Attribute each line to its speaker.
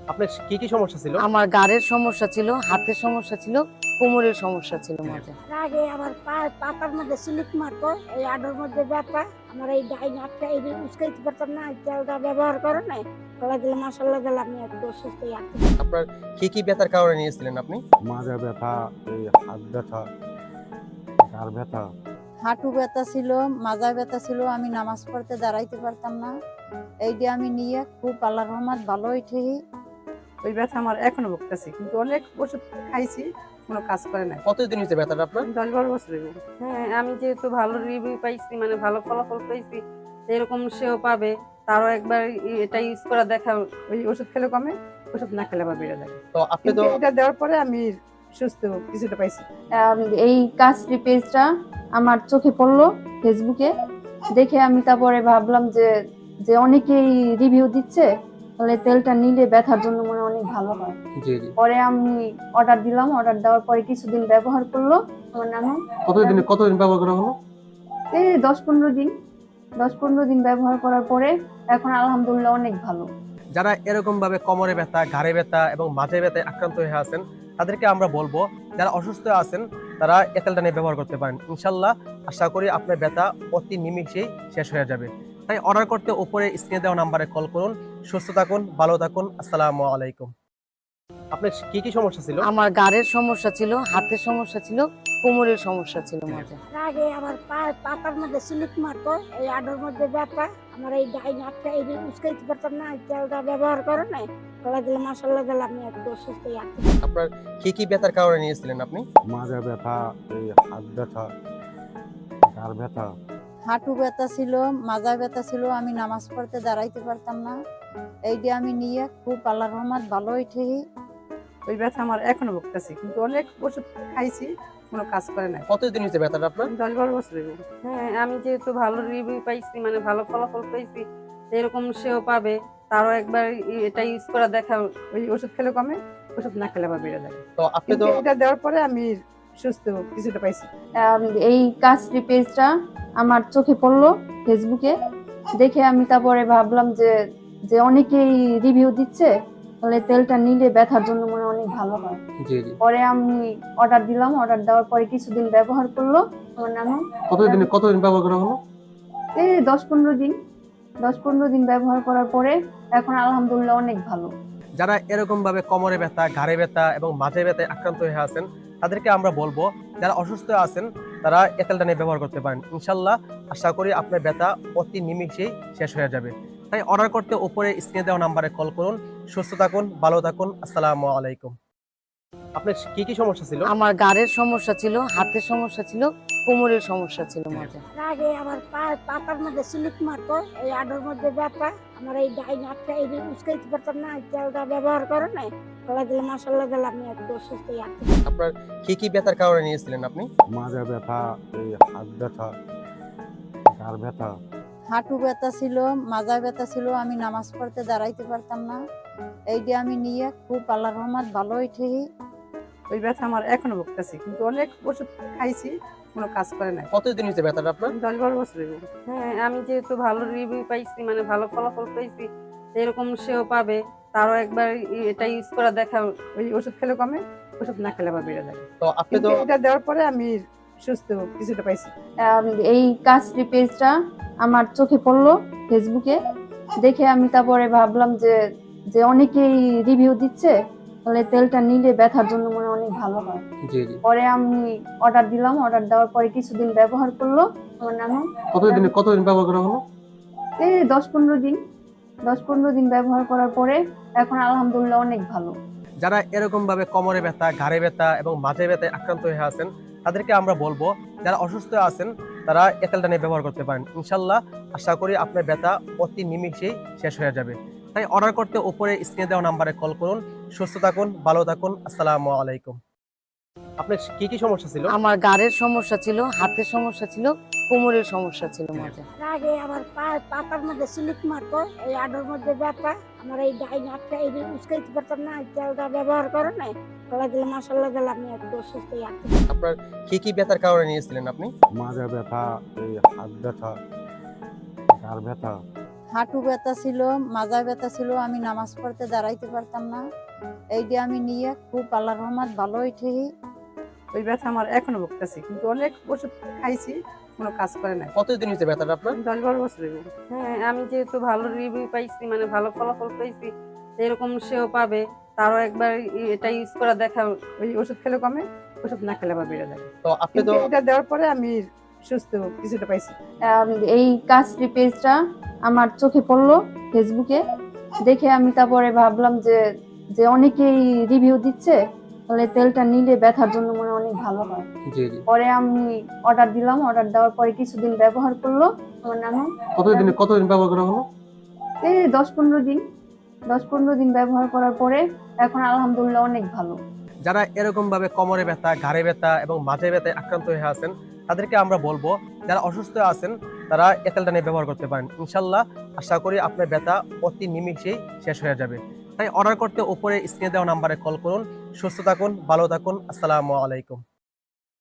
Speaker 1: আপনার কি সমস্যা ছিল?
Speaker 2: আমার গাড়ের সমস্যা ছিল, হাতের সমস্যা ছিল, কোমরের সমস্যা ছিল মাঝে।
Speaker 3: আগে আমার পাতার মধ্যে স্লিপ মারতো, এই আডোর মধ্যে ব্যথা। আমার এই ডাইন হাতটা এই উস্কাইতে পারতাম না, এই তেলটা ব্যবহার করে নাই। গলা দিলে মশলা দিলে আমি একটু সুস্থ আছি।
Speaker 1: আপনার কি ব্যথার কারণে নিয়েছিলেন আপনি?
Speaker 4: মাজা ব্যথা, এই হাত ব্যথা, ঘাড় ব্যথা।
Speaker 5: হাঁটু ব্যথা ছিল, মাজা ব্যথা ছিল, আমি নামাজ পড়তে দাঁড়াইতে পারতাম না। এইটা আমি নিয়ে খুব আল্লাহর রহমত ভালো হইতে।
Speaker 6: ওই ব্যথা আমার এখনো ভুগতেছি, কিন্তু অনেক ওষুধ খাইছি, কোনো কাজ করে নাই।
Speaker 1: কতদিন হয়েছে ব্যথাটা আপনার?
Speaker 6: 10-12 বছর হয়ে গেল।
Speaker 7: হ্যাঁ, আমি যেহেতু ভালো রিভিউ পাইছি, মানে ভালো ফলাফল পাইছি, এরকম সেও পাবে। তারও একবার এটা ইউজ করা দেখা।
Speaker 6: ওই ওষুধ খেলে কমে, ওষুধ না খেলে আবার বেড়ে যায়।
Speaker 1: তো আপনি তো
Speaker 6: এটা দেওয়ার পরে আমি সুস্থ কিছুটা পাইছি।
Speaker 5: এই কাজটি পেজটা আমার চোখে পড়লো ফেসবুকে, দেখে আমি তারপরে ভাবলাম যে যে অনেকেই রিভিউ দিচ্ছে, তাহলে তেলটা নিলে ব্যথার জন্য মনে হয় অনেক ভালো হয়।
Speaker 1: জি জি।
Speaker 5: পরে আমি অর্ডার দিলাম, অর্ডার দেওয়ার পরে কিছুদিন ব্যবহার করলো আমার নানু।
Speaker 1: কতদিন ব্যবহার করা হলো?
Speaker 5: এই 10-15 দিন ব্যবহার করার পরে এখন আলহামদুলিল্লাহ অনেক ভালো।
Speaker 1: যারা এরকম ভাবে কোমরে ব্যথা, ঘাড়ে ব্যথা এবং মাঝে ব্যথায় আক্রান্ত হয়ে আছেন, তাদেরকে আমরা বলবো যারা অসুস্থ আছেন তারা এই তেলটা নিয়ে ব্যবহার করতে পারেন। ইনশাল্লাহ আশা করি আপনার ব্যথা অতি নিমিষেই শেষ হয়ে যাবে। তাই অর্ডার করতে উপরে স্ক্রিনে দেওয়া নাম্বারে কল করুন। সুস্থ থাকুন, ভালো থাকুন। আসসালামু আলাইকুম। আপনার কি সমস্যা ছিল?
Speaker 2: আমার গাড়ের সমস্যা ছিল, হাতের সমস্যা ছিল, কোমরের সমস্যা ছিল মাঝে।
Speaker 3: আগে আমার পাতার মধ্যে স্লিপ মারতো, এই আডোর মধ্যে ব্যথা। আমার এই ডাইন হাতটা এই উস্কাইতে পারতাম না, এই তেলটা ব্যবহার করে নাই। গলা দিলে মশলা দিলে আমি একটু সুস্থ আছি।
Speaker 1: আপনার কি ব্যথার কারণে নিয়েছিলেন আপনি?
Speaker 4: মাজা ব্যথা, এই হাত ব্যথা, ঘাড় ব্যথা।
Speaker 5: হাঁটু ব্যথা ছিল, মাজা ব্যথা ছিল, আমি নামাজ পড়তে দাঁড়াইতে পারতাম না। এইটা আমি নিয়ে খুব আল্লাহর রহমত ভালো হইতে।
Speaker 6: ওই ব্যথা আমার এখনো ভুগতেছি, কিন্তু অনেক ওষুধ খাইছি, কোনো কাজ করে নাই।
Speaker 1: কতদিন হয়েছে ব্যথাটা আপনার?
Speaker 6: 10-12 বছর হয়ে গেল।
Speaker 7: হ্যাঁ, আমি যেহেতু ভালো রিভিউ পাইছি, মানে ভালো ফলাফল পাইছি, এরকম সেও পাবে। তারও একবার এটা ইউজ করা দেখা।
Speaker 6: ওই ওষুধ খেলে কমে, ওষুধ না খেলে আবার বেড়ে যায়।
Speaker 1: তো আপনি তো
Speaker 6: এটা দেওয়ার পরে আমি সুস্থ কিছুটা পাইছি।
Speaker 5: এই কাজটি পেজটা আমার চোখে পড়লো ফেসবুকে, দেখে আমি তারপরে ভাবলাম যে যে অনেকেই রিভিউ দিচ্ছে, তাহলে তেলটা নিলে ব্যথার জন্য মনে হয় অনেক ভালো হয়।
Speaker 1: জি জি।
Speaker 5: পরে আমি অর্ডার দিলাম, অর্ডার দেওয়ার পরে কিছুদিন ব্যবহার করলো আমার নানু।
Speaker 1: কতদিন ব্যবহার করা হলো?
Speaker 5: এই 10-15 দিন ব্যবহার করার পরে এখন আলহামদুলিল্লাহ অনেক ভালো।
Speaker 1: যারা এরকম ভাবে কোমরে ব্যথা, ঘাড়ে ব্যথা এবং মাঝে ব্যথায় আক্রান্ত হয়ে আছেন, তাদেরকে আমরা বলবো যারা অসুস্থ আছেন তারা এই তেলটা নিয়ে ব্যবহার করতে পারেন। ইনশাল্লাহ আশা করি আপনার ব্যথা অতি নিমিষেই শেষ হয়ে যাবে। তাই অর্ডার করতে উপরে স্ক্রিনে দেওয়া নাম্বারে কল করুন। সুস্থ থাকুন, ভালো থাকুন। আসসালামু আলাইকুম। আপনার কি সমস্যা ছিল?
Speaker 2: আমার গাড়ের সমস্যা ছিল, হাতের সমস্যা ছিল, কোমরের সমস্যা ছিল মাঝে।
Speaker 3: আগে আমার পাতার মধ্যে স্লিপ মারতো, এই আডোর মধ্যে ব্যথা। আমার এই ডাইন হাতটা এই উস্কাইতে পারতাম না, এই তেলটা ব্যবহার করে নাই। গলা দিলে মশলা দিলে আমি একটু সুস্থ আছি।
Speaker 1: আপনার কি ব্যথার কারণে নিয়েছিলেন আপনি?
Speaker 4: মাজা ব্যথা, এই হাত ব্যথা, ঘাড় ব্যথা।
Speaker 5: হাঁটু ব্যথা ছিল, মাজা ব্যথা ছিল, আমি নামাজ পড়তে দাঁড়াইতে পারতাম না। এইটা আমি নিয়ে খুব আল্লাহর রহমত ভালো হইতে।
Speaker 6: ওই ব্যথা আমার এখনো ভুগতেছি, কিন্তু অনেক ওষুধ খাইছি, কোনো কাজ করে নাই।
Speaker 1: কতদিন হয়েছে ব্যথাটা আপনার?
Speaker 6: 10-12 বছর হয়ে গেল।
Speaker 7: হ্যাঁ, আমি যেহেতু ভালো রিভিউ পাইছি, মানে ভালো ফলাফল পাইছি, এরকম সেও পাবে। তারও একবার এটা ইউজ করা দেখা।
Speaker 6: ওই ওষুধ খেলে কমে, ওষুধ না খেলে আবার বেড়ে যায়।
Speaker 1: তো আপনি তো
Speaker 6: এটা দেওয়ার পরে আমি সুস্থ কিছুটা পাইছি।
Speaker 5: এই কাজটি পেজটা আমার চোখে পড়লো ফেসবুকে, দেখে আমি তারপরে ভাবলাম যে যে অনেকেই রিভিউ দিচ্ছে, তাহলে তেলটা নিলে ব্যথার জন্য মনে হয় অনেক ভালো হয়।
Speaker 1: জি জি।
Speaker 5: পরে আমি অর্ডার দিলাম, অর্ডার দেওয়ার পরে কিছুদিন ব্যবহার করলো আমার নানু।
Speaker 1: কতদিন ব্যবহার করা হলো?
Speaker 5: এই 10-15 দিন ব্যবহার করার পরে এখন আলহামদুলিল্লাহ অনেক ভালো।
Speaker 1: যারা এরকম ভাবে কোমরে ব্যথা, ঘাড়ে ব্যথা এবং মাঝে ব্যথায় আক্রান্ত হয়ে আছেন, তাদেরকে আমরা বলবো যারা অসুস্থ আছেন তারা এই তেলটা নিয়ে ব্যবহার করতে পারেন। ইনশাল্লাহ আশা করি আপনার ব্যথা অতি নিমিষেই শেষ হয়ে যাবে। তাই অর্ডার করতে উপরে স্ক্রিনে দেওয়া নাম্বারে কল করুন। সুস্থ থাকুন, ভালো থাকুন। আসসালামু আলাইকুম। আপনার কি সমস্যা ছিল?
Speaker 2: আমার গাড়ের সমস্যা ছিল, হাতের সমস্যা ছিল, কোমরের সমস্যা ছিল মাঝে।
Speaker 3: আগে আমার পাতার মধ্যে স্লিপ মারতো, এই আডোর মধ্যে ব্যথা। আমার এই ডাইন হাতটা এই উস্কাইতে পারতাম না, এই তেলটা ব্যবহার করে নাই। গলা দিলে মশলা দিলে আমি একটু সুস্থ আছি।
Speaker 1: আপনার কি ব্যথার কারণে নিয়েছিলেন আপনি?
Speaker 4: মাজা ব্যথা, এই হাত ব্যথা, ঘাড় ব্যথা।
Speaker 8: হাঁটু ব্যথা ছিল, মাজা ব্যথা ছিল, আমি নামাজ পড়তে দাঁড়াইতে পারতাম না। এইটা আমি নিয়ে খুব আল্লাহর রহমত ভালো হয়েছে।
Speaker 6: ওই ব্যথা আমার এখনো ভুগতেছি, কিন্তু অনেক ওষুধ খাইছি, কোনো কাজ করে নাই।
Speaker 1: কতদিন হয়েছে ব্যথাটা আপনার?
Speaker 6: 10-12 বছর হয়ে গেল।
Speaker 7: হ্যাঁ, আমি যেহেতু ভালো রিভিউ পাইছি, মানে ভালো ফলাফল পাইছি, এরকম সেও পাবে, তারও একবার এটা ইউজ করা দেখা।
Speaker 6: ওই ওষুধ খেলে কমে, ওষুধ না খেলে আবার বেড়ে যায়।
Speaker 1: তো আপনি তো
Speaker 6: কিন্তু এটা দেওয়ার পরে আমি সুস্থ কিছুটা পাইছি।
Speaker 5: এই কাজটি পেজটা আমার চোখে পড়লো ফেসবুকে, দেখে আমি তারপরে ভাবলাম যে যে অনেকেই রিভিউ দিচ্ছে, তাহলে তেলটা নিলে ব্যথার জন্য মনে হয় অনেক ভালো হয়।
Speaker 1: জি জি।
Speaker 5: পরে আমি অর্ডার দিলাম, অর্ডার দেওয়ার পরে কিছুদিন ব্যবহার করলো আমার নানু।
Speaker 1: কতদিন ব্যবহার করা হলো?
Speaker 5: এই 10-15 দিন ব্যবহার করার পরে এখন আলহামদুলিল্লাহ অনেক ভালো।
Speaker 1: যারা এরকম ভাবে কোমরে ব্যথা, ঘাড়ে ব্যথা এবং মাঝে ব্যথায় আক্রান্ত হয়ে আছেন, তাদেরকে আমরা বলবো যারা অসুস্থ আছেন তারা এই তেলটা নিয়ে ব্যবহার করতে পারেন। ইনশাল্লাহ আশা করি আপনার ব্যথা অতি নিমিষেই শেষ হয়ে যাবে। তাই অর্ডার করতে উপরে স্ক্রিনে দেওয়া নাম্বারে কল করুন। সুস্থ থাকুন, ভালো থাকুন। আসসালামু আলাইকুম।